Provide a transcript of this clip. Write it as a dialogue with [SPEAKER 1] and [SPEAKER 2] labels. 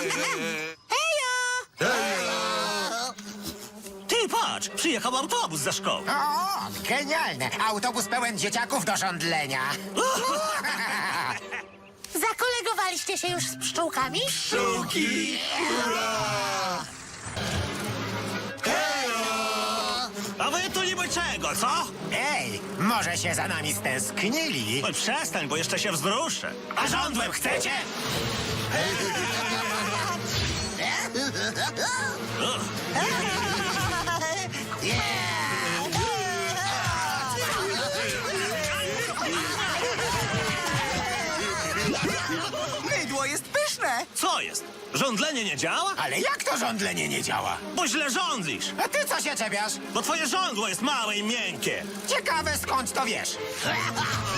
[SPEAKER 1] Ty patrz, przyjechał autobus ze szkoły.
[SPEAKER 2] O, genialne! Autobus pełen dzieciaków do żądlenia.
[SPEAKER 3] Zakolegowaliście się już z pszczółkami?
[SPEAKER 1] Pszczółki! A wy tu niby czego, co?
[SPEAKER 2] Ej, może się za nami stęsknili?
[SPEAKER 1] Oj, przestań, bo jeszcze się wzruszę. A żądłem chcecie?
[SPEAKER 4] Mydło jest pyszne.
[SPEAKER 1] Co jest? Żądlenie nie działa?
[SPEAKER 2] Ale jak to żądlenie nie działa?
[SPEAKER 1] Bo źle żądlisz.
[SPEAKER 2] A ty co się czepiasz?
[SPEAKER 1] Bo twoje żądło jest małe i miękkie.
[SPEAKER 2] Ciekawe skąd to wiesz.